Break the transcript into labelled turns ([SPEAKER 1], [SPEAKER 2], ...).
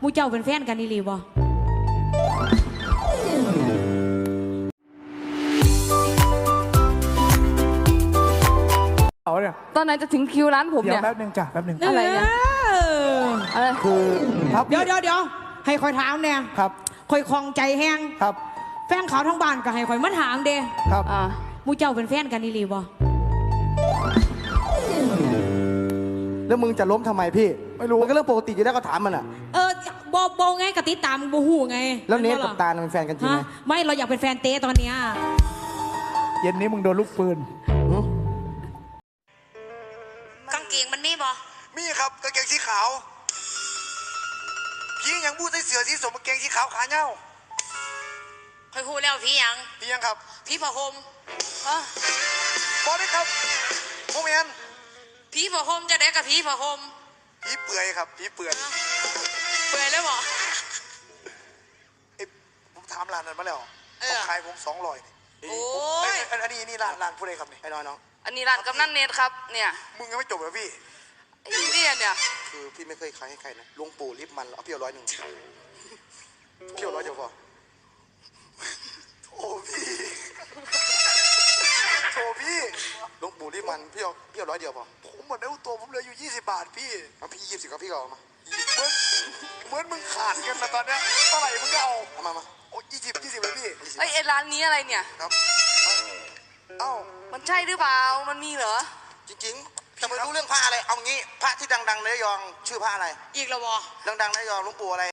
[SPEAKER 1] มูเจ้าเป็นแฟนกันนี่หรือบ่
[SPEAKER 2] เอาเนี่ย
[SPEAKER 3] ตอนไหนจะถึงคิวร้านผม
[SPEAKER 2] เดี๋ย
[SPEAKER 3] เนี่
[SPEAKER 2] วย แป๊บนึงจ้ะแป๊บนึง
[SPEAKER 3] อะไรเนี่ย อะไร
[SPEAKER 2] คือครับ
[SPEAKER 1] เดี๋ยวให้คอยถามเนี่ย
[SPEAKER 2] ครับ
[SPEAKER 1] คอยคลองใจแห้ง
[SPEAKER 2] ครับ
[SPEAKER 1] แฟนเขาทั้งบ้านก็ให้คอยมาถามเด้
[SPEAKER 2] ครับ
[SPEAKER 1] มูเจ้าเป็นแฟนกันนี่หรือบ่
[SPEAKER 4] แล้วมึงจะล้มทำไมพี่ไม่รู้มันก็เรื่องปกติอยู่แล้วก็ถามมันอ่ะ
[SPEAKER 1] บไงกติดตามบูฮูไง
[SPEAKER 4] แล้วเนทกับตาลเป็นแฟนกันจริงไหม
[SPEAKER 1] ไม่เราอยากเป็นแฟนเต้ตอนเนี้ย
[SPEAKER 2] เย็นนี้มึงโดนลูกปืน
[SPEAKER 1] กางเกงมันมีบ่
[SPEAKER 5] มีครับกางเกงสีขาวพี่ยังพูดใส่เสือสีสมกางเกงสีขาวขาเน่า
[SPEAKER 1] คอยฮู้แล้วพี่ยัง
[SPEAKER 5] พี่ยังครับ
[SPEAKER 1] พี่ผ้าห่ม
[SPEAKER 5] บอสได้ครับโมเมน
[SPEAKER 1] พี่ผ้าห่มจะได้กับพี่ผ้าห่ม
[SPEAKER 5] พี่เปื่อยครับพี่เปื่อย
[SPEAKER 1] เปื่อยเลยบ่
[SPEAKER 5] เอ้ยผมถามร้านนั้นมาแล้ว
[SPEAKER 1] เออ
[SPEAKER 5] เขาขายผม200
[SPEAKER 1] โอ้ย
[SPEAKER 5] อันนี้ร้านผู้ใดครับนี่ไอ้น้อยน้อง
[SPEAKER 3] อันนี้ร้านกำนันเนทครับ เนี่ย
[SPEAKER 5] มึงยังไม่จบเหรอพี่
[SPEAKER 3] ไอ้เนี่ย
[SPEAKER 5] คือพี่ไม่เคยขายให้ใครนะหลวงปู่ลิฟมันเอาพี่เอา100พี่เอา100เดียวพอโอ้พี่โถพี่หลวงปู่ลิฟมันพี่เอา100เดียวพอผมหมดแล้วตัวผมเหลืออยู่20 บาทพี่เอาพี่20ก็พี่ก็เอามาเหมือนมึงขาดกันนะตอนเนี้ยเท่าไหร่มึงก็เอามาโอ้20เลยพี่
[SPEAKER 3] ไอ้ร้านนี้อะไรเนี่ย
[SPEAKER 5] ครับเอ้า
[SPEAKER 3] มันใช่หรือเปล่า มันมีเหรอ
[SPEAKER 5] จริงๆจะไม่รู้เรื่องพระอะไรเอางี้พระที่ดังๆในระยองชื่อพระอะไร
[SPEAKER 1] อีกแล้วบ่
[SPEAKER 5] ดังๆในระยองหลวงปู่อะไร